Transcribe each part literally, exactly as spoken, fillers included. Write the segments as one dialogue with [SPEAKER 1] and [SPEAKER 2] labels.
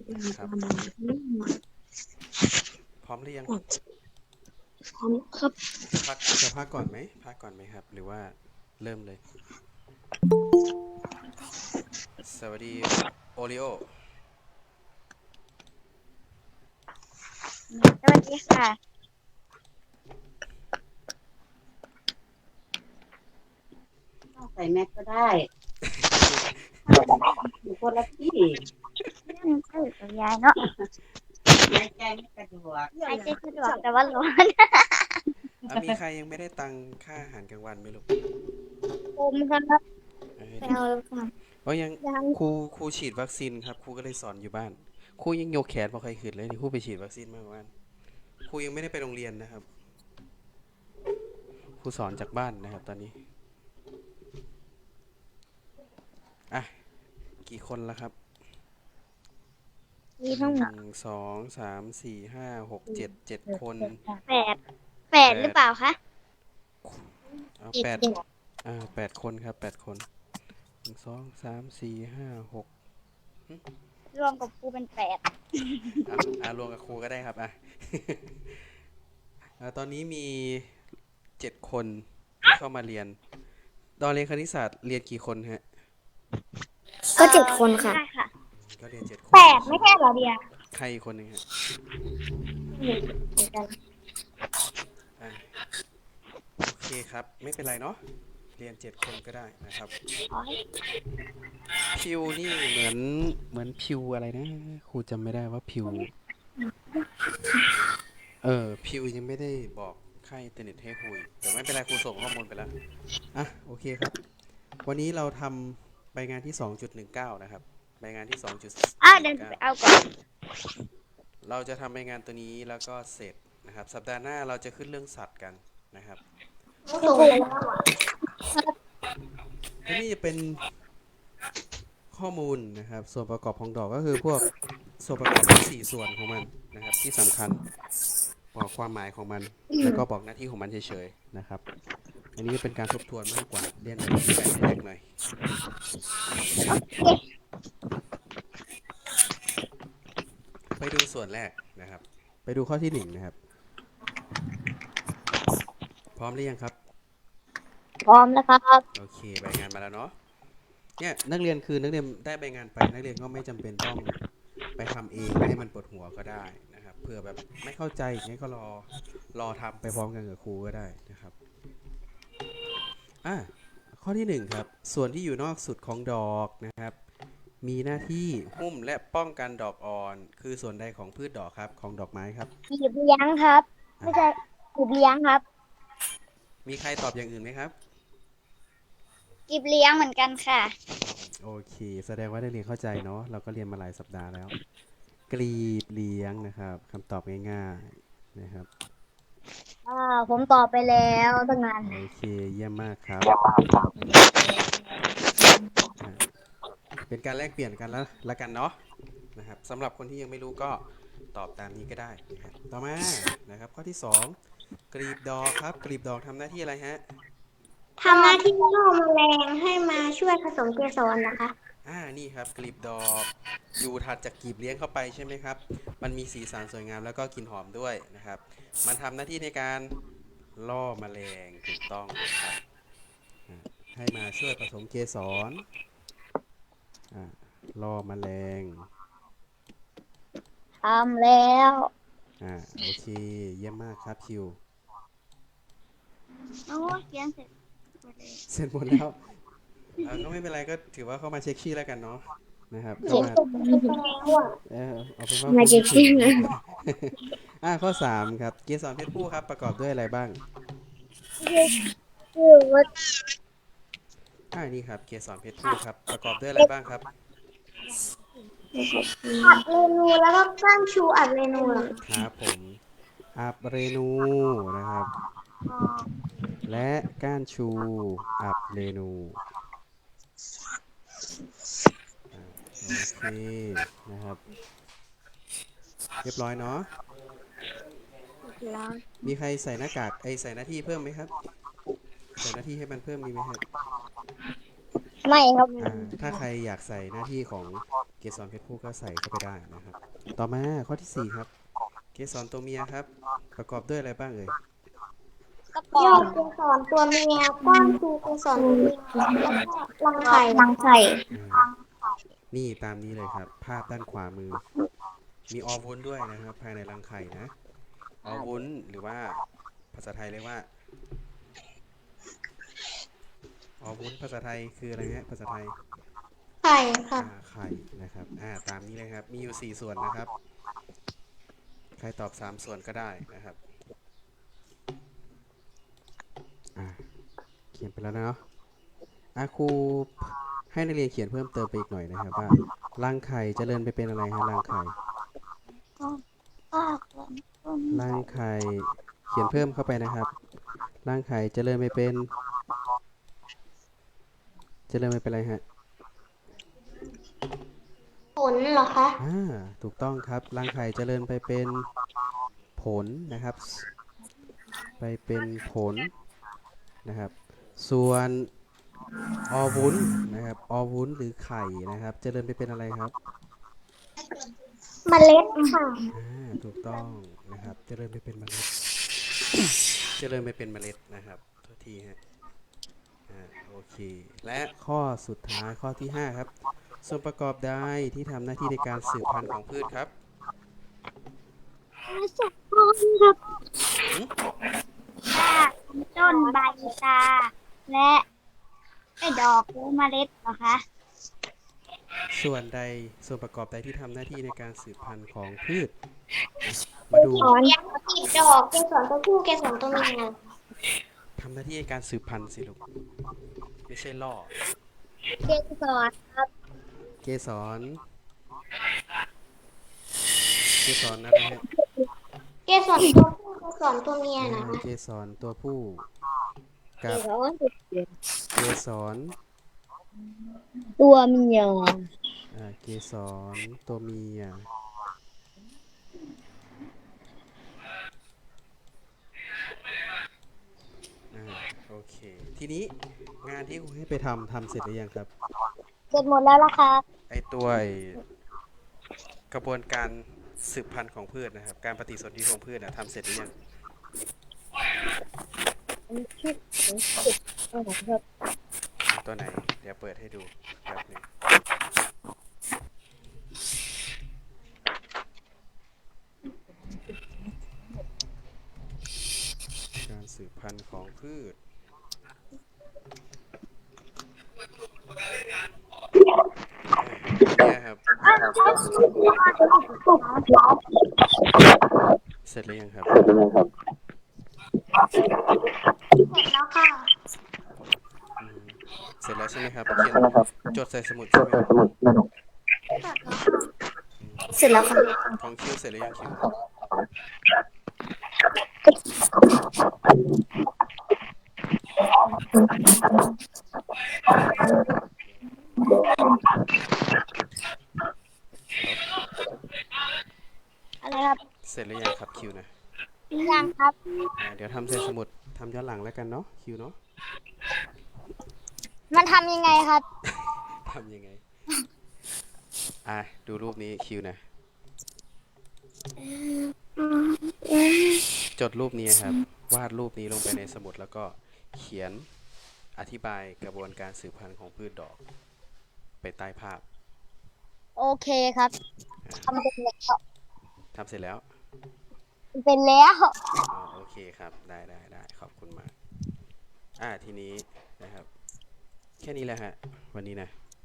[SPEAKER 1] ครับพร้อมหรือยัง
[SPEAKER 2] พร้อมครับ
[SPEAKER 1] จะพักจะพักก่อนไหมพักก่อนไหมครับหรือว่าเริ่มเลยสวัสดีโอริโอ
[SPEAKER 3] สวัสดีค่ะ
[SPEAKER 2] ใส่แม็กก็ได้อยู่คนละที่
[SPEAKER 3] นั่นก็อยู่กับยายเนาะ
[SPEAKER 2] หายใจไม่สะดวก
[SPEAKER 3] หายใจสะดวกแต่ว่าร้อน
[SPEAKER 1] อ่ะมีใครยังไม่ได้ตังค่าอาหารกลางวันไหมลูก
[SPEAKER 3] ผมครับ
[SPEAKER 1] เอ้ย
[SPEAKER 3] ไปเอาแล้วค่ะ
[SPEAKER 1] เพราะยัง
[SPEAKER 3] ยัง
[SPEAKER 1] ครูครูฉีดวัคซีนครับครูก็เลยสอนอยู่บ้านครูยังโยกแขนพอใครขึ้นเลยนี่ครูไปฉีดวัคซีนมาบ้านครูยังไม่ได้ไปโรงเรียนนะครับครูสอนจากบ้านนะครับตอนนี้อ่ะกี่คนแล้วครับ
[SPEAKER 3] มี
[SPEAKER 1] หนึ่
[SPEAKER 3] ทั้งหมด
[SPEAKER 1] งสองสามสี่ห้าหกเจ็ดเจ็ดคน
[SPEAKER 3] แปดแปด
[SPEAKER 1] แปด
[SPEAKER 3] หรือเปล่าคะ
[SPEAKER 1] เอาแปดอ่าแปดคนครับแปดคนหนึ่งสองสามสี่ห้าหก
[SPEAKER 3] รวมกับครูเป็นแปด
[SPEAKER 1] อ่ะอ่ารวมกับครูก็ได้ครับอ่ะ อ่าตอนนี้มีเจ็ดคนที่เข้ามาเรียนตอนเรียนคณิตศาสตร์เรียนกี่คนฮะ
[SPEAKER 2] ก็เจ็ดคนค่ะ
[SPEAKER 3] ได้ค่ะ
[SPEAKER 1] ก็เรียนเจ็ดค
[SPEAKER 3] แป
[SPEAKER 1] น
[SPEAKER 3] ดไม่ใช่เหรอเดีย
[SPEAKER 1] ใครอีกคนหนึ่งฮะ
[SPEAKER 3] เหมือนกัน
[SPEAKER 1] อ่ะโอเคครับไม่เป็นไรเนาะเรียนเจ็ดคนก็ได้นะครับพิวนี่เหมือนเหมือนพิวอะไรนะครูจำไม่ได้ว่าพิวเออพิวยังไม่ได้บอกค่ายอินเทอร์เน็ตให้คุยแต่ไม่เป็นไรครูส่งข้อมูลไปแล้วอ่ะโอเคครับวันนี้เราทำใบงานที่สองจุดหนึ่งเก้านะครับใบงานที่สองจุด
[SPEAKER 3] อ้าว
[SPEAKER 1] หนึ่งเก้า
[SPEAKER 3] เดินไปเอาก่อน
[SPEAKER 1] เราจะทำรายงานตัวนี้แล้วก็เสร็จนะครับสัปดาห์หน้าเราจะขึ้นเรื่องสัตว์กันนะครับ
[SPEAKER 2] ส่งแล้ว
[SPEAKER 1] และนี่จะเป็นข้อมูลนะครับส่วนประกอบของดอกก็คือพวกส่วนประกอบทั้งสี่ส่วนของมันนะครับที่สำคัญบอกความหมายของมันแล้วก็บอกหน้าที่ของมันเฉยๆนะครับอันนี้เป็นการทบทวนมากกว่าเรียนแบบที่แบบแรกหน่อยไปดูส่วนแรกนะครับไปดูข้อที่หนึ่งนะครับพร้อมหรือยังครับ
[SPEAKER 3] พร้อมแล้วครับ
[SPEAKER 1] โอเคใบงานมาแล้วเนาะเนี่ยนักเรียนคือนักเรียนได้ใบงานไปนักเรียนก็ไม่จำเป็นต้องไปทำเองให้มันปวดหัวก็ได้นะครับเผื่อแบบไม่เข้าใจอย่างนี้ก็รอรอทำไปพร้อมกันกับครูก็ได้นะครับอ่ะข้อที่หนึ่งครับส่วนที่อยู่นอกสุดของดอกนะครับมีหน้าที่หุ้มและป้องกันดอกอ่อนคือส่วนใดของพืชดอกครับของดอกไม้ครับ
[SPEAKER 3] กีบเลี้ยงครับไม่ใช่กีบเลี้ยงครับ
[SPEAKER 1] มีใครตอบอย่างอื่นไหมครับ
[SPEAKER 3] กีบเลี้ยงเหมือนกันค่ะ
[SPEAKER 1] โอเคแสดงว่าได้เรียนเข้าใจเนาะเราก็เรียนมาหลายสัปดาห์แล้วกลีบเลี้ยงนะครับคำตอบง่ายๆนะครับ
[SPEAKER 3] อ่าผมตอบไปแล้วตั้งนาน
[SPEAKER 1] โอเคเยี่ยมมากครับเป็นการแลกเปลี่ยนกันแล้วละกันเนาะนะครับสำหรับคนที่ยังไม่รู้ก็ตอบตามนี้ก็ได้นะครับต่อมานะครับข้อที่สองกลีบดอกครับกลีบดอกทำหน้าที่อะไรฮะ
[SPEAKER 3] ทำหน้าที่ล่อแมลงให้มาช่วยผสมเกสรนะคะ
[SPEAKER 1] อ่านี่ครับกลีบดอกอยู่ถัดจากกลีบเลี้ยงเข้าไปใช่ไหมครับมันมีสีสันสวยงามแล้วก็กลิ่นหอมด้วยนะครับมันทำหน้าที่ในการล่อแมลงถูกต้องครับให้มาช่วยผสมเกสรล่อแมลง
[SPEAKER 3] ทำแล้ว
[SPEAKER 1] อ่าโอเคเยี่ยมมากครับคิว
[SPEAKER 3] โอ้เขียนเสร็จ
[SPEAKER 1] เสร็จหมดแล้วก็ไม่เป็นไรก็ถือว่าเข้ามาเช็คชื่อแล้วกันเนาะนะครับเข้ามาเออเอาเป็นว่าคุณชื่ออ่าข้อสามครับเกสรเพศผู้ครับประกอบด้วยอะไรบ้าง
[SPEAKER 3] ชื่อว่า
[SPEAKER 1] อ่านี่ครับเกสรเพศผู้ครับประกอบด้วยอะไรบ้างครับ
[SPEAKER 3] อัดเรนูแล้วก็ก้านชูอัดเรนู
[SPEAKER 1] ครับผมอับเรนูนะครับและก้านชูอับเรนูโอเคนะครับเรียบร้อยเนาะมีใครใส่หน้ากากไอใส่หน้าที่เพิ่มไหมครับใส่หน้าที่ให้มันเพิ่มมีไหมครับ
[SPEAKER 3] ไม่ครับ
[SPEAKER 1] อ่าถ้าใครอยากใส่หน้าที่ของเกสรเพชรผู้ก็ใส่เข้าไปได้นะครับ ต่อมาข้อที่สี่ครับ เกสรตัวเมียครับ ประกอบด้วยอะไรบ้างเอ่ย
[SPEAKER 3] ยอดเกสรตัวเมียก้านคือเกสรตัวเมียแล้วก็รังไข่รังไข่
[SPEAKER 1] อ่านี่ตามนี้เลยครับ ภาพด้านขวามือ มีออวุ้นด้วยนะครับ ภายในรังไข่นะ ออวุ้นหรือว่าภาษาไทยเรียกว่าออวุ้นภาษาไทยคืออะไรฮะภาษาไทย
[SPEAKER 3] ไข่ค่ะ
[SPEAKER 1] อ่าไข่นะครับอ่าตามนี้เลยครับ มีอยู่สี่ส่วนนะครับ ใครตอบสามส่วนก็ได้นะครับอ่าเขียนไปแล้วนะเนาะอาครูให้นักเรียนเขียนเพิ่มเติมไปอีกหน่อยนะครับว่ารังไข่เจริญไปเป็นอะไรฮะรังไข่รังไข่เขียนเพิ่มเข้าไปนะครับรังไข่เจริญไปเป็นเจริญไปเป็นอะไรฮะ
[SPEAKER 3] ผลเหรอคะ
[SPEAKER 1] อ่าถูกต้องครับรังไข่เจริญไปเป็นผลนะครับ ไปเป็นผลนะครับส่วนออวุ้นนะครับออวุ้นหรือไข่นะครับเจริญไปเป็นอะไรครับ
[SPEAKER 3] เมล็ดค่ะ
[SPEAKER 1] อ่าถูกต้องนะครับเจริญไปเป็นเมล็ด เจริญไปเป็นเมล็ดนะครับโทษทีฮะอ่าโอเคและข้อสุดท้ายข้อที่ห้าครับส่วนประกอบใดที่ทำหน้าที่ในการสืบพันธุ์ของพืชครับ
[SPEAKER 3] สุกต้นครับ
[SPEAKER 1] หึ
[SPEAKER 3] ต้นใบตา และไอ้ดอกหรือเมล็ดเหรอคะ
[SPEAKER 1] ส่วนใดส่วนประกอบใดที่ทำหน้าที่ในการสืบพันธุ์ของพืชนะมาดู
[SPEAKER 3] สอนติดดอกเกสรตัวผู้เกสรตัวเมีย
[SPEAKER 1] ทำหน้าที่ในการสืบพันธุ์สิลูกไม่ใช่ล่อ
[SPEAKER 3] เกสรครับ
[SPEAKER 1] เกสรเกสรอะไรฮะ
[SPEAKER 3] เกสรตัวผู้เกสรตัวเมีย
[SPEAKER 1] อ่า
[SPEAKER 3] นะคะ
[SPEAKER 1] เกสรตัวผู้กับเกสร
[SPEAKER 3] ตัวเมีย
[SPEAKER 1] อ่าเกสรตัวเมียอ่าโอเคทีนี้งานที่ครูให้ไปทำทำเสร็จหรือยังครับ
[SPEAKER 3] เสร็จหมดแล้วล่ะครับ
[SPEAKER 1] ไอตัวไอกระบวนการสืบพันธุ์ของพืชนะครับ การปฏิสนธิของพืชนะทำเสร็จหรือยังตัวไหน เดี๋ยวเปิดให้ดูแบบหนึงการสืบพันธุ์ของพืชเนี่ยครับเสร็จหรือยังครับ
[SPEAKER 3] เสร็จแล้วค่ะ
[SPEAKER 1] อืมเสร็จแล้วใช่ไหมครับเขียนจดใส่สมุดใช่ไหมครับ
[SPEAKER 3] เสร็จแล้วค่ะ
[SPEAKER 1] ของคิวเสร็จหรือยังคิวฮัลโหล
[SPEAKER 3] อะไรครับ
[SPEAKER 1] เสร็จหรือยังครับคิวนะ
[SPEAKER 3] ยังครับ
[SPEAKER 1] อ่าเดี๋ยวทำใส่สมุดทำย้อนหลังแล้วกันเนาะคิวเนาะ
[SPEAKER 3] มันทำยังไงครับ
[SPEAKER 1] ทำยังไงอ่ะดูรูปนี้คิวนะจดรูปนี้ครับวาดรูปนี้ลงไปในสมุดแล้วก็เขียนอธิบายกระบวนการสืบพันธุ์ของพืชดอกไปใต้ภาพ
[SPEAKER 3] โอเคครับ
[SPEAKER 1] อ่า
[SPEAKER 3] ทำเป็นแล้ว
[SPEAKER 1] ทำเสร็จแล้ว
[SPEAKER 3] เป็นแล้ว
[SPEAKER 1] อ๋อโอเคครับได้ได้ได้ขอบคุณมากอ่าทีนี้นะครับแค่นี้แหละฮะวันนี้นะ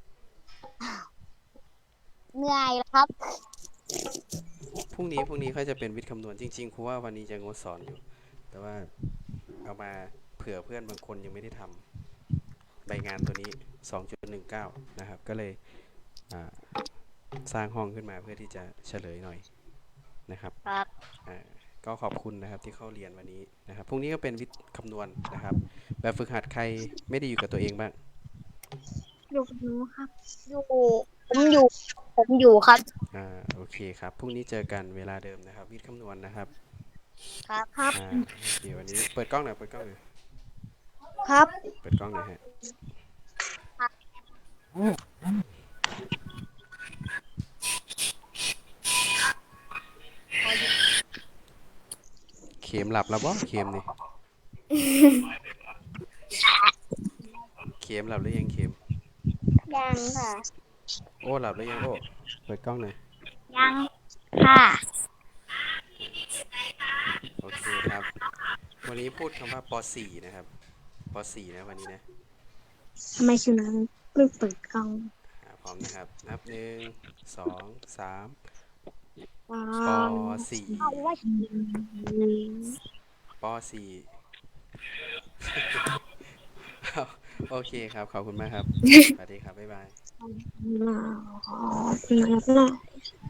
[SPEAKER 3] เหนื่อยแล้วครับ
[SPEAKER 1] พรุ่งนี้พรุ่งนี้ค่อยจะเป็นวิทย์คำนวณจริงๆครูว่าวันนี้จะงดสอนอยู่ แต่ว่าเอามาเผื่อเพื่อนบางคนยังไม่ได้ทำใบงานตัวนี้ สองจุดหนึ่งเก้า นะครับก็เลยอ่าสร้างห้องขึ้นมาเพื่อที่จะเฉลยหน่อยนะครับ
[SPEAKER 3] ครับ
[SPEAKER 1] อ่าก็ขอบคุณนะครับที่เข้าเรียนวันนี้นะครับพรุ่งนี้ก็เป็นวิทย์คำนวณนะครับ แบบฝึกหัดใครไม่ได้อยู่กับตัวเองบ้าง
[SPEAKER 3] อยู่กับหนูครับ อยู่ ผมอยู่ ผมอยู่ครับ
[SPEAKER 1] อ่าโอเคครับพรุ่งนี้เจอกันเวลาเดิมนะครับ วิทย์คำนวณนะครับ
[SPEAKER 3] ครับครับ
[SPEAKER 1] อ่าโอเควันนี้เปิดกล้องหน่อยเปิดกล้องหน่อย
[SPEAKER 3] ครับ
[SPEAKER 1] เปิดกล้องหน่อยฮะเข็มหลับแล้วบ่เข็มนี่ เข็มหลับหรือยังเข็ม
[SPEAKER 3] ยังค่ะ
[SPEAKER 1] โอ้หลับหรือยังโอ้เปิดกล้องหน่อย
[SPEAKER 3] ยังค่ะ
[SPEAKER 1] โอเคครับ วันนี้พูดคำว่าป .สี่ นะครับป .สี่ นะวันนี้นะ
[SPEAKER 3] ทำไมชื่อนั้นเพิ่งเปิดกล้อง
[SPEAKER 1] อ่าพร้อมนะครับ นับหนึ่งสองสามป .สี่
[SPEAKER 3] เอาว่า
[SPEAKER 1] ป .สี่ โอเคครับ ขอบคุณมากครับ สวัสดีครับ บ๊ายบาย
[SPEAKER 3] หนาวหนาว